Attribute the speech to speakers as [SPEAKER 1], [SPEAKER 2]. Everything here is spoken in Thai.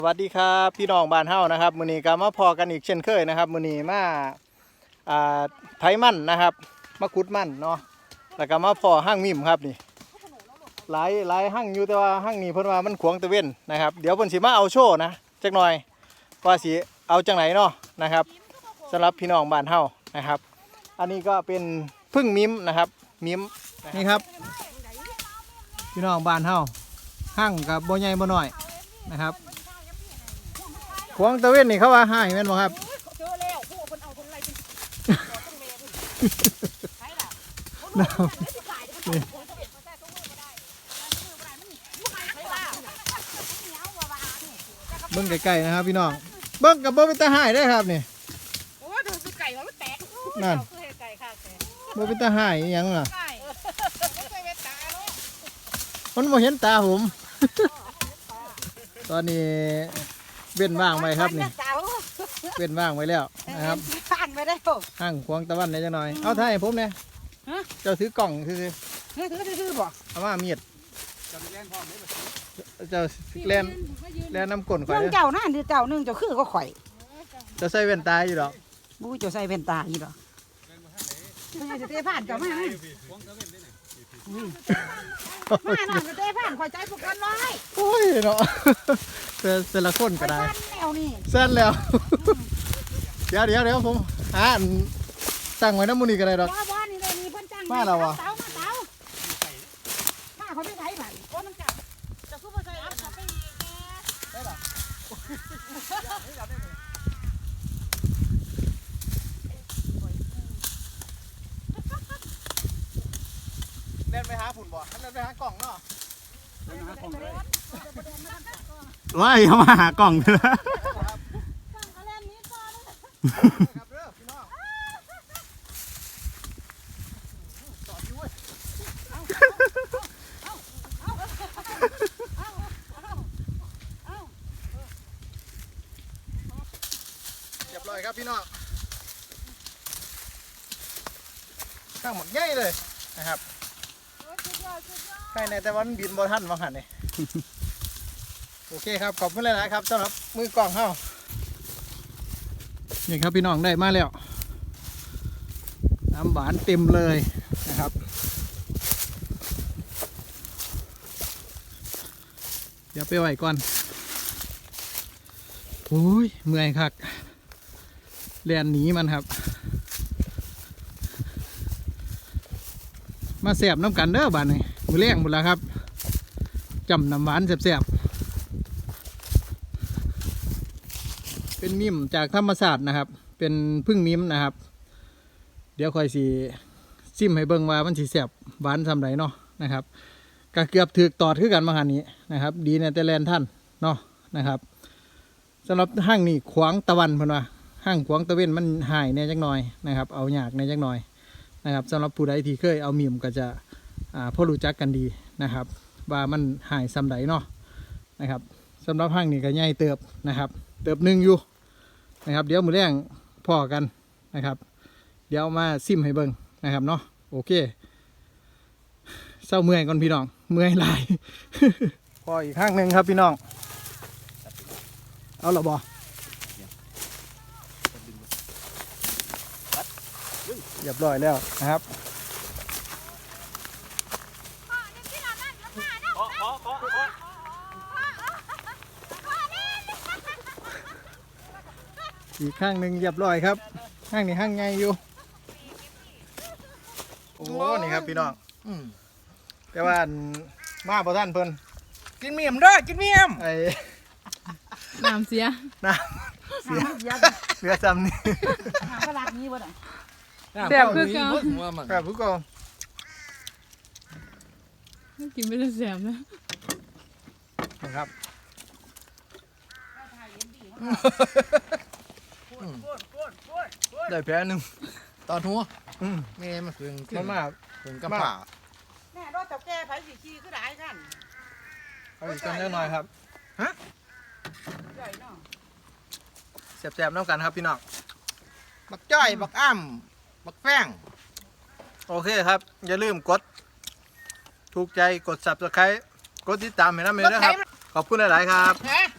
[SPEAKER 1] สวัสดีครับพี่น้องบ้านเฮานะครับมื้อนี้ก็มาพอกันอีกเช่นเคยนะครับมื้อนี้มาไถมันนะครับมาขุดมันเนาะแล้วก็มาพอห้างมิมครับนี่หลายห้างอยู่แต่ว่าห้างนี้เพิ่นว่ามันขวางตะเว้นนะครับเดี๋ยวเพิ่นสิมาเอาโชว์นะจักหน่อยว่าสิเอาจังไหนเนาะนะครับสำหรับพี่น้องบ้านเฮานะครับอันนี้ก็เป็นพึ่งมิมนะครับมิมนี่ครับพี่น้องบ้านเฮาห้างกับบ่ใหญ่บ่น้อยนะครับขวางตะเว้นนี่เขาว่าให้แม่นบ่ครับ
[SPEAKER 2] เจอแล้วพวกคนเอาคนอะไรเป็นต้องเมย์ใช่ล่ะ
[SPEAKER 1] เบิ้งไก่ๆนะครับพี่น้องเบิ้งกับบ่เป็นตาหายได้ครับนี่
[SPEAKER 2] โอ้ยดูไก่แล้วมันแตก
[SPEAKER 1] นั่น
[SPEAKER 2] ไก่ค่ะ
[SPEAKER 1] บ่เป็นตาหายยังล่ะมันบ่เห็นตาผมตอนนี้เว้นว่างไว้ครับนี่เว้นว่างไว้แล้วนะครับ
[SPEAKER 2] ผ่านไปได้
[SPEAKER 1] ห้างขวางตะวันได้จังหน่อยเอาถ่ายให้ผมเนี่ยเจ้าถือกล่องคือ
[SPEAKER 2] ถือบ่
[SPEAKER 1] เอามามีดเจ้าแล่นน้ำก้นข่อย
[SPEAKER 2] เจ้านั่นคือเจ้านึงเจ้าคือก็ข่อย
[SPEAKER 1] จะใส่แว่นตาอยู่ดอก
[SPEAKER 2] บู้เจ้าใส่แว่นตาอยู่ดอกไม่จะเตะผ่านเจ้ามามาหน่อยจะเตะผ่านข่อยใจพวกกันน้อย
[SPEAKER 1] โอ้ยเนาะแต่ละคนก็ได้เส้นแล้วเดี๋ยวผมตั้งไว้น้ำมูนี่ก็ได้ดอกมาแล้ววะ
[SPEAKER 2] มาเขาไม่ใช่ผ่านโอ้น้ำจับจะสู้มาใส่อัพเขาไปได้หรอ
[SPEAKER 1] เล่นไปหาฝุ่นบ่เล่นไปหากล่องเนาะ
[SPEAKER 3] ว้ายเขามาหากล่องเลยนะ
[SPEAKER 1] เรียบร้อยครับพี่น้องข้างหมดง่ายเลยนะครับใช่ในแต่วันบินบอทันบางหันเลยโอเคครับขอบคุณเลยนะครับสำหรับมือกล่องเข้านี่ครับพี่น้องได้มาแล้วน้ำหวานเต็มเลยนะครับเดี๋ยวไปไหวก่อนโอ้ยเมื่อยคักแล่นหนีมันครับมาแสบน้ำกันเด้อบ้านนี้มือเลี้ยงหมดแล้วครับจำน้ำหวานแสบเป็นมิมจากธรรมศาสตร์นะครับเป็นพึ่งมิมนะครับเดี๋ยวคอยสีซิมให้เบิ่งว่ามันสีแสบหวานสำไรเนาะนะครับก็เกือบถือตอดขึ้นกันมาหันนี้นะครับดีในแต่แลนท่านเนาะนะครับสำหรับห้างนี่ขวางตะวันพนว่าห้างขวางตะเว้นมันหายในจักหน่อยนะครับเอาหยากในจักหน่อยนะครับสำหรับผู้ใดที่เคยเอามิมก็จะพอรู้จักกันดีนะครับว่ามันหายซ้ำใดเนาะนะครับสำหรับห้างนี่ก็ใหญ่เติบนะครับเติบหนึ่งอยู่นะครับเดี๋ยวมือแรงพอกันนะครับเดี๋ยวมาซิมให้เบิ่งนะครับเนาะโอเคเศร้าเมื่อยก่อนพี่น้องเมื่อยหลาย พออีกข้างหนึ่งครับพี่น้องเอาหรอบอเรียบร้อยแล้วนะครับอีกข้างหนึ่งเรียบร้อยครับข้างนี้ข้างไงอยู่โอ้นี่ครับพี่น้องแต่ว่ามาพอท่านเพิ่น
[SPEAKER 2] กินเมียมด้วยกินเมียม
[SPEAKER 1] ไอ้
[SPEAKER 4] น้ำเสีย
[SPEAKER 1] เสียจำนี่
[SPEAKER 2] กระลานี้บ่ได้
[SPEAKER 4] แสบคือเก่า
[SPEAKER 1] ครับผู้กอง
[SPEAKER 4] กินไม่ได้แสบนะ
[SPEAKER 1] นะครับได้แพ้หนึ่ง
[SPEAKER 3] ตอนหัวแม่มาถึง
[SPEAKER 1] มา
[SPEAKER 3] ถึงกำป่า
[SPEAKER 2] แม่รถเจ้าแก่ไผสีขี้ก็ได้กัน
[SPEAKER 1] เอาอีกกันเล็กน้อยครับฮะ
[SPEAKER 2] ใหญ่เนาะ
[SPEAKER 1] แสบๆน้ำกันครับพี่น้อง
[SPEAKER 3] บักจ้อยบักอ้ำบักแป้ง
[SPEAKER 1] โอเคครับอย่าลืมกดถูกใจกด Subscribe กดติดตามให้นะเมย์ด้วยครับขอบคุณหลายๆครับ